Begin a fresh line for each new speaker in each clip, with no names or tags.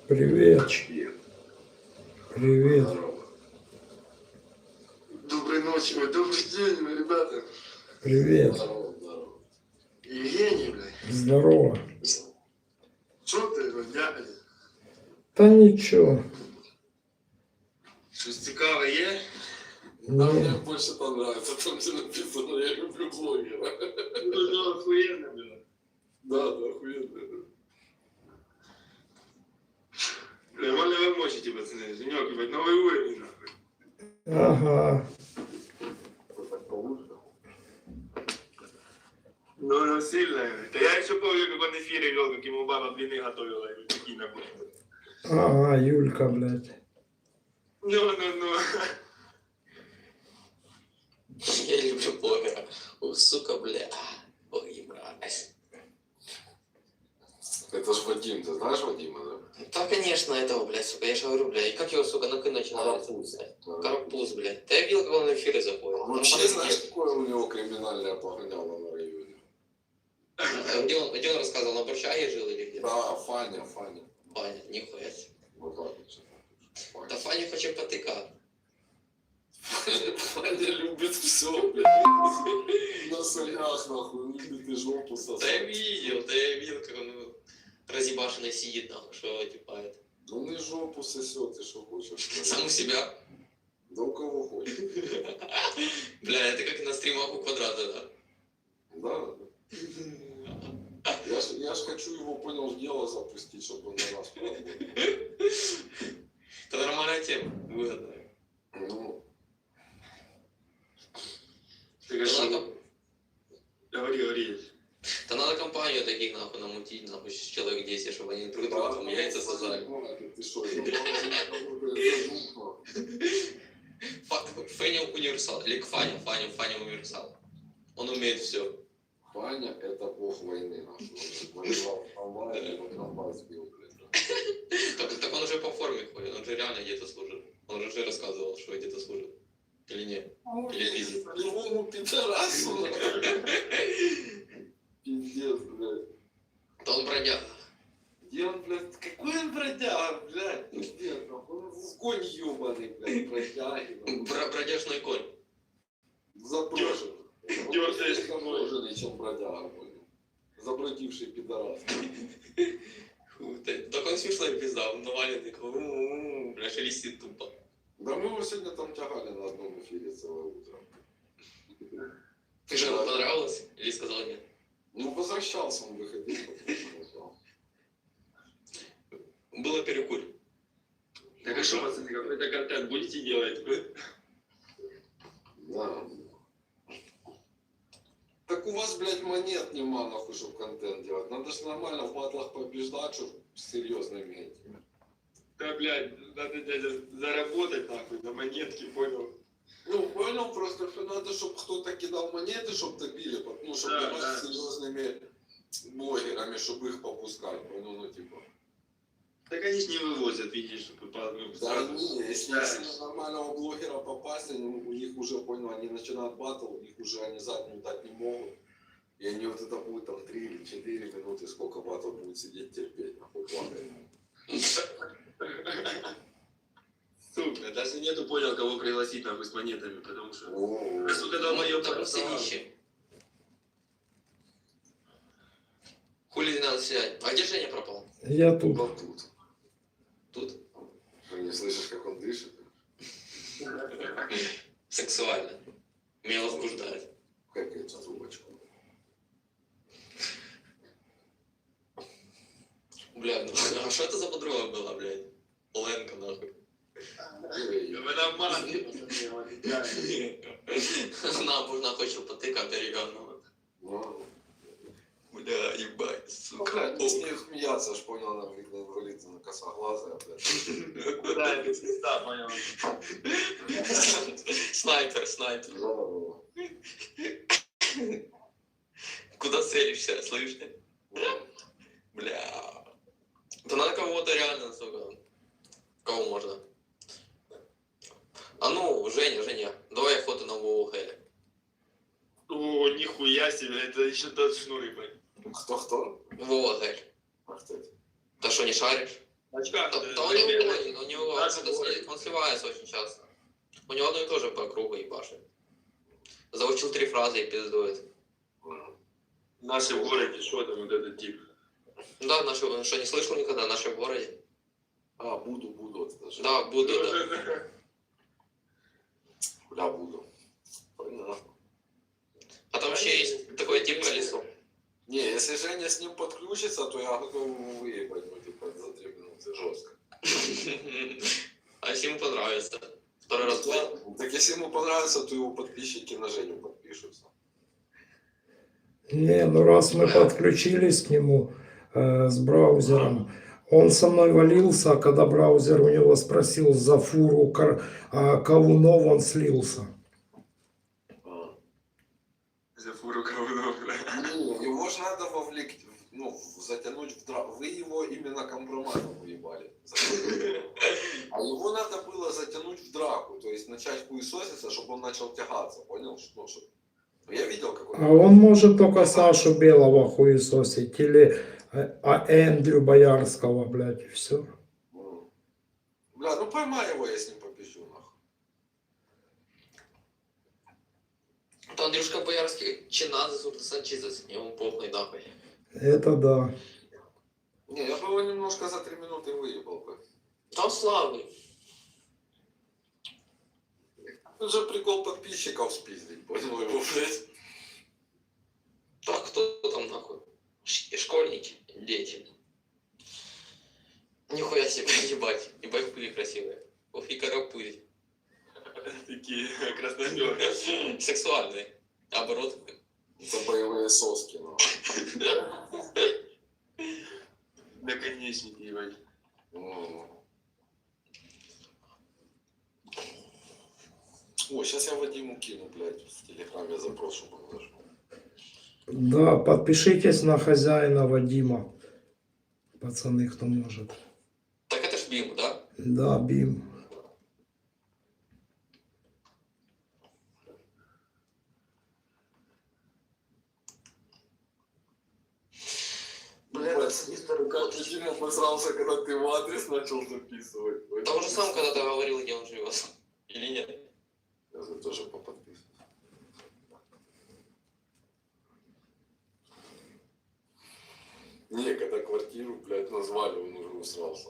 Привет. Привет.
Доброй ночи, добрый день, ребята.
Привет.
Здорово, здорово. Евгений, блядь.
Здорово.
Что ты, дядя?
Да ничего.
Щось цікаве є?
Да,
мне больше понравится, там где написано, я люблю блогера. Ну, охуенно, блядь. Да, охуенно. Бля, можно вы мочите, пацаны, Женек, ебать, новый уровень, нахуй.
Ага.
Ну, сильно. Да я еще помню, как он эфире вел, как ему баба блины готовила, и такие нахуй.
Ага, Юлька, блядь.
Ну.
Я люблю блогера. О, сука, бля. Ой, брат.
Это ж Вадим, ты знаешь Вадима, да?
Да, конечно, этого, блядь, сука. Я же говорю, бля. И как его, сука, на начинается? Карапуз, блядь. Да я видел, как он в эфире заходит.
А вообще, знаешь, какое у него криминальное погоняло на районе?
Где он рассказывал, на Борчаге жил или где?
Да, Фаня.
Фаня, нихуя себе.
Вот так вот.
Да Фаня хочет потыка.
Фаня любит все, блядь. На солях, нахуй, любит и жопу сосать.
Да я видел, как он разъебашенный сидит, нахуй, что типа это.
Он и жопу сосет, и что хочешь.
Сам у себя.
Да у кого хочешь.
Бля, это как на стримах у Квадрата, да?
Да. Я ж хочу его, понял, в дело запустить, чтобы он на нас пробовал.
Это нормальная тема, выгодная.
Ну.
Ты что?
Говори.
Да надо компанию таких нахуй намутить, нахуй, человек 10, чтобы они друг друга там яйца сажали.
Ты что, это
Фаня универсал, или Фаня универсал. Он умеет все.
Фаня — это бог войны наш. Воевал в Албании, потом вас сбил, блядь.
Так он уже по форме ходит, он же реально где-то служит. Он же уже рассказывал, что где-то служит. Или нет? Или пиздец.
По-любому пидорасу. Пиздец, блядь.
Да он бродяга.
Где он, блядь? Какой он бродяга, блядь? Пиздец, он в конь ебаный, блядь, бродяги.
Бродяжный конь.
Заброшенный.
Дёртый.
Заброшенный, чем бродяга, блядь. Забродивший пидорас.
Так он смешной пизда, он наваленный, такой, бля, шелестит тупо.
Да мы его сегодня там тягали на одном эфире целое утро.
Ты же ему понравилось? Или сказал нет?
Ну, возвращался он, выходил.
Было перекур.
Так а что, пацаны, какой-то контент будете делать?
Да. Так у вас, блядь, монет нема, нахуй, чтобы контент делать. Надо же нормально в батлах побеждать, чтобы серьезно иметь.
Да, блядь, надо, дядя, заработать, нахуй, на монетки, понял?
Ну, понял, просто что надо, чтобы кто-то кидал монеты, чтобы добили, ну, чтобы
Да,
давать
да.
серьезными блогерами, чтобы их попускать, понял, ну, типа.
Так они ж не вывозят, видишь, чтобы ну,
Да, не, если
Да.
на нормального блогера попасть, у них уже, понял, они начинают батл, у них уже они заднюю дать не могут. И они вот это будет там 3 или 4 минуты, сколько батл будет сидеть терпеть, нахуй, плакать.
Сука, даже нету понял, кого пригласить, нахуй, с монетами, потому что...
О,
Да, сука, долбоёб,
Так все нищие. Хули не надо сидеть. А где Женя пропал?
Я тут.
вот тут.
Тут.
Ты не слышишь, как он дышит?
Сексуально. Меня возбуждает.
Какая трубочку.
Бля, ну а что это за подруга была, блядь? Ленка, нахуй.
Вы нормально.
Она хочет потыкать деревянного.
Ну,
Бля, ебать, сука.
блядь, не с ней смеяться, аж понял, она видно инвалидка на косоглазая, блядь.
Да, это пизда, понял.
Снайпер. Куда целишься, слышишь? Бля. Да надо кого-то реально, сука. Кого можно? А ну, Женя, давай охоту на Вову Хэля.
О, нихуя себе, это еще тот шнур, ебать.
Кто?
Вова Хель.
А кто это?
Да что, не шаришь?
Очках.
Да у него
Надо
он сливается очень часто. У него одно и то же по кругу ебашит. Заучил 3 фразы и пиздует.
Наши в городе, что там вот этот тип?
Да, наши, что не слышал никогда, наши в городе.
А, буду, это же.
Да, буду, да.
Бля, буду. Понятно.
А там вообще есть такой тип колесо.
Не, если Женя с ним подключится, то я готов его выебать, ну, типа, за 3 минуты жестко.
А если ему понравится? Второй раз будет.
Так если ему понравится, то его подписчики на Женю подпишутся.
Не, ну раз мы подключились к нему с браузером, он со мной валился, а когда браузер у него спросил за фуру кавунов, он слился.
За фуру говно.
Не, его же надо вовлекать, ну, затянуть в драку. Вы его именно компроматом уебали. А его надо было затянуть в драку, то есть начать хуесоситься, чтобы он начал тягаться, понял? Ну, чтобы... Я видел, как он...
А он может только Сашу Белого хуесосить или Эндрю Боярского, блядь, и все.
Бля, ну поймай его, я с ним попищу, нахуй.
То Андрюшка Боярский Чиназы, Сурта Санчизес, ему похуй нахуй.
Это да.
Не, я бы его немножко за 3 минуты выебал бы.
Там славный.
Тут же прикол подписчиков спиздить, понял его, блядь.
Так, кто там нахуй? Школьники, дети. Нихуя себе, ебать. Ебать пыли красивые. Ох и карапыль.
Такие красномеры.
Сексуальные. Оборот.
Это боевые соски, нахуй.
Наконечники, ебать.
О, сейчас я Вадиму кину, блядь, в телеграме запрос, чтобы он зашел.
Да, подпишитесь на хозяина Вадима. Пацаны, кто может.
Так это ж Бим, да?
Да, Бим.
Блядь, как ты Дима обосрался, когда ты в адрес начал записывать.
Да он же сам когда-то говорил, где он живет. Или нет?
Я за тоже поподписываюсь. Не, когда квартиру, блядь, назвали, он уже усрался.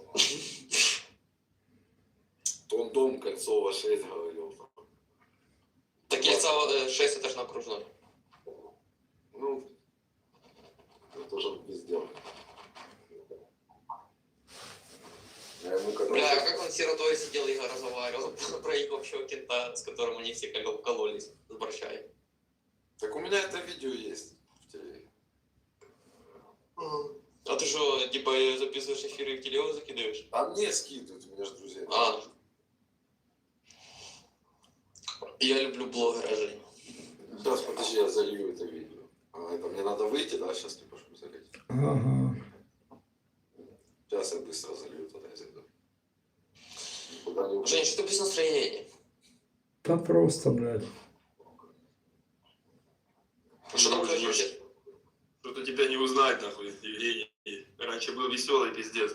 То он дом Кольцова 6 говорил.
Так яйца 6 это ж на окружной.
Ну, это тоже везде. Я ему когда...
Бля, а как он сиротой сидел и разговаривал про их общего кента, с которым они все кололись с борщами.
Так у меня это видео есть в телеге.
А ты что, типа записываешь эфиры и в телегу закидываешь?
А мне скидывают, у меня же друзья.
А. Я люблю блогера, Жень.
Сейчас, подожди, я залью это видео. А, это мне надо выйти, да, сейчас не прошу залить.
Ага.
Сейчас я быстро залью, тогда я зайду. Куда не
Жень, что ты без настроения?
Да просто, блядь.
Что там происходит?
Что-то тебя не узнать, нахуй, Евгений. Раньше был веселый, пиздец.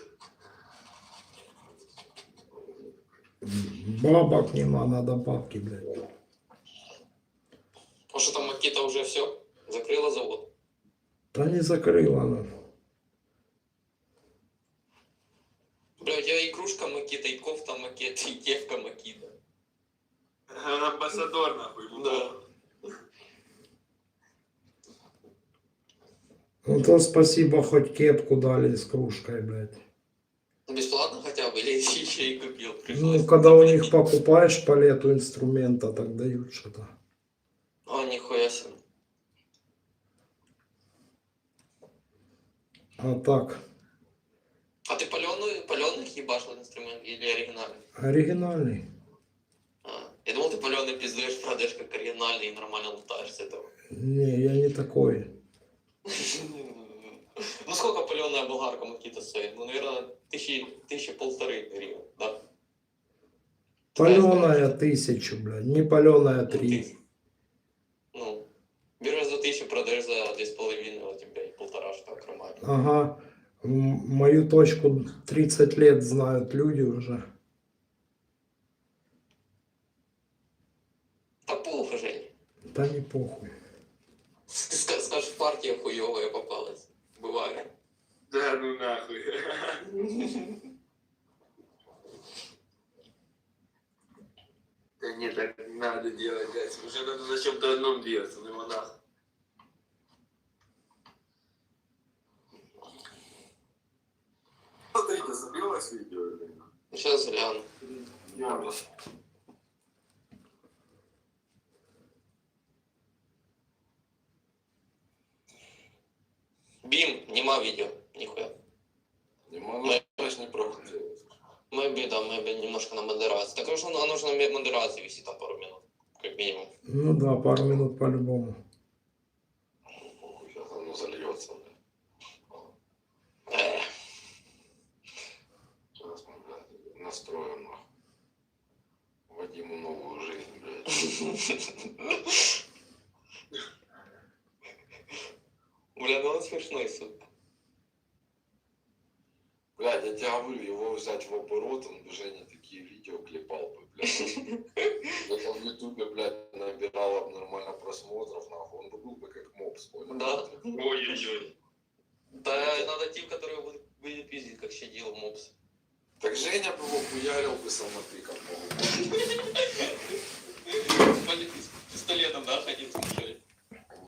Бабок нема, надо бабки, блядь.
А что там Макита уже все? Закрыла завод?
Да не закрыла она.
Бля, у тебя и кружка Макита, и кофта Макита, и кепка Макита.
Он амбассадор, нахуй, ему
Да.
Ну то спасибо, хоть кепку дали с кружкой, блядь.
Бесплатно хотя бы, или еще и купил?
Ну,
Пришлось.
когда у них покупаешь палету инструмента, так дают что-то.
О, нихуя себе.
А так,
А ты паленых ебашил инструмент или оригинальный?
оригинальный.
А, я думал, ты паленый пиздуешь, продаешь как оригинальный и нормально лутаешь с этого.
Не, я не такой.
Ну сколько паленая болгарка Макита стоит? Ну, наверное, тысячи полторы гривен, да?
Паленая 1000, блядь, не паленая 3.
Ну, берешь за 1000, продаешь за 2,5, у тебя и полтора, что нормально.
Ага. Мою точку 30 лет знают люди уже.
Та похуй, Жень.
Да не похуй.
Скажешь, партия хуёвая попалась. Бывает.
Да ну нахуй. Да нет, так не надо делать, блядь. Уже надо на чем-то одном двигаться, ну его нахуй.
Смотрите, забилось видео или нет?
Сейчас гляну.
Я
Бим, нема видео. Нихуя.
не могу, я ж не пробую делать.
Maybe немножко на модерации. Так что оно же на модерации висит там пару минут. Как минимум.
Ну да, пару минут по-любому.
Сейчас оно зальется, блядь. Сейчас мы, блядь, настроим нахуй. Вадиму новую жизнь, блядь.
Бля, ну он смешной, сука.
Блядь, я тебе говорю, его взять в оборот, он бы Женя такие видео клепал бы, блядь. Это в ютубе, блядь, набирало бы нормально просмотров, нахуй. Он бы был бы как мопс, понял?
Да.
Ой-ой-ой.
Да, надо тип, который будет пиздить, как щадил мопс.
Так Женя бы его хуярил бы самотыком, мог.
Пистолетом, да, ходил.